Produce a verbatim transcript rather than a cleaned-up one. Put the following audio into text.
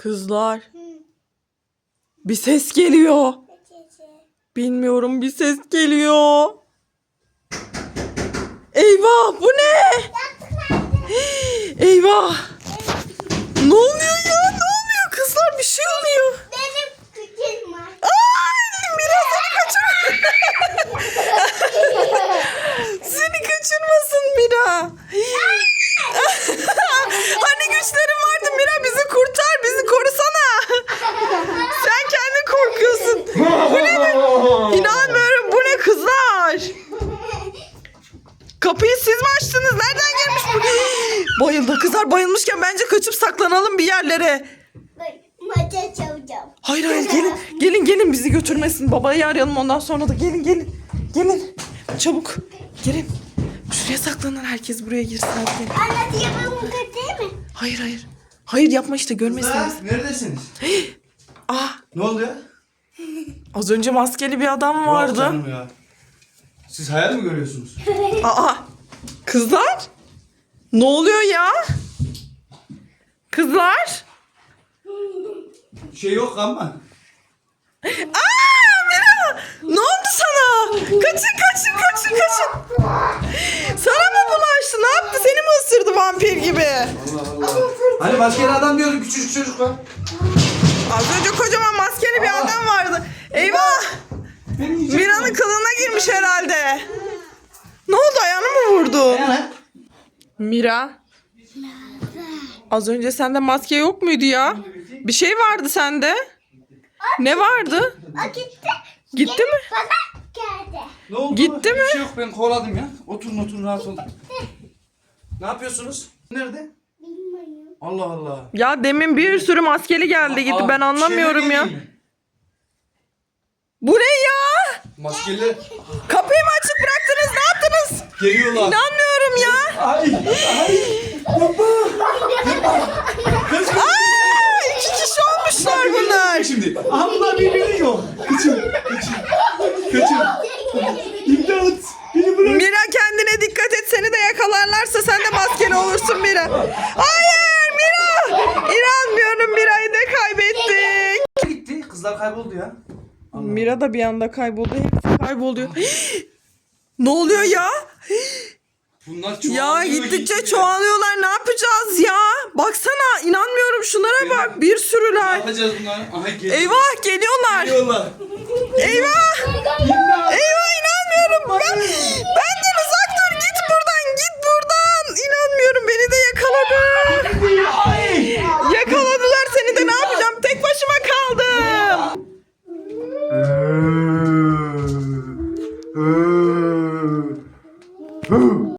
Kızlar. Bir ses geliyor. Bilmiyorum, bir ses geliyor. Eyvah, bu ne? Eyvah. Ne oluyor ya? Ne oluyor kızlar? Bir şey oluyor. Benim küçüğüm var. Ay, biraz seni kaçır. Seni kaçırmasın Mira. Hani güçlerin vardı Mira, bizi kurtar, bizi korusana. Sen kendin korkuyorsun. Bu ne? İnanmıyorum, bu ne kızlar? Kapıyı siz mi açtınız? Nereden gelmiş bu? Bayıldı kızlar, bayılmışken bence kaçıp saklanalım bir yerlere. Maça çalacağım. Hayır hayır, gelin gelin gelin, bizi götürmesin. Babayı arayalım, ondan sonra da gelin gelin. Gelin çabuk gelin. Şuraya saklanın, herkes buraya girsin. Hadi gelin. Anne yapalım değil mi? Hayır hayır. Hayır yapma işte, görmesin bizi. Neredesiniz? Ah, Ne oldu ya? az önce maskeli bir adam vardı. Yok canım ya. Siz hayal mi görüyorsunuz? Aa, kızlar? Ne oluyor ya? Kızlar? Şey yok ama. Aa, Mira! Ne oldu sana? Kaçın kaçın kaçın kaçın. Sana mı bulaştı? Ne yaptı? Seni mi ısırdı vampir gibi? Allah Allah. Hani maskeli adam diyordun, küçücük çocuk var. Az önce kocaman maskeli bir adam vardı. Eyvah! Mira'nın kılığına girmiş herhalde. Ne oldu? Ayağını mı vurdu? Mira. Az önce sende maske yok muydu ya? Bir şey vardı sende. Ne vardı? O gitti. Gitti mi? Bana geldi. Ne oldu? Gitti mi? Bir şey yok, ben kovaladım ya. Oturun oturun, rahat olun. Ne yapıyorsunuz? Nerede? Bilmiyorum. Allah Allah. Ya demin bir sürü maskeli geldi gitti. Aa, Ben anlamıyorum şeyler ya. değil mi? Bu ne ya? Maskeli Kapıyı mı açık bıraktınız? Ne yaptınız? geliyorlar. İnanmıyorum ya. Ay ay. Aa, iki kişi olmuşlar bunlar. Şimdi. Aha bunlar birbirini yiyor. Kaçın. Kaçın. Kaçın. İmdat. Beni bırak. Mira, kendine dikkat et. Seni de yakalarlarsa sen de maskeli olursun Mira. Hayır Mira. İnanmıyorum, Mira'yı da kaybettik. Gitti. Kızlar kayboldu ya. Mira da bir anda kayboldu. Hepsi kayboluyor. Ne oluyor ya? Bunlar Ya çoğalıyor, gittikçe gitti. çoğalıyorlar. Ne yapacağız ya? Baksana, inanmıyorum, şunlara bak. Bir Ne sürüler. yapacağız bunlar? Aha geliyor. Eyvah, geliyorlar. Geliyorlar. Eyvah. İmdat. Eyvah, inanmıyorum. Ben, benden uzak dur. Git buradan. Git buradan. İnanmıyorum. Beni de yakaladı. Ay. Yakaladılar seni de. Ne yapacağım? Tek başıma kaldım.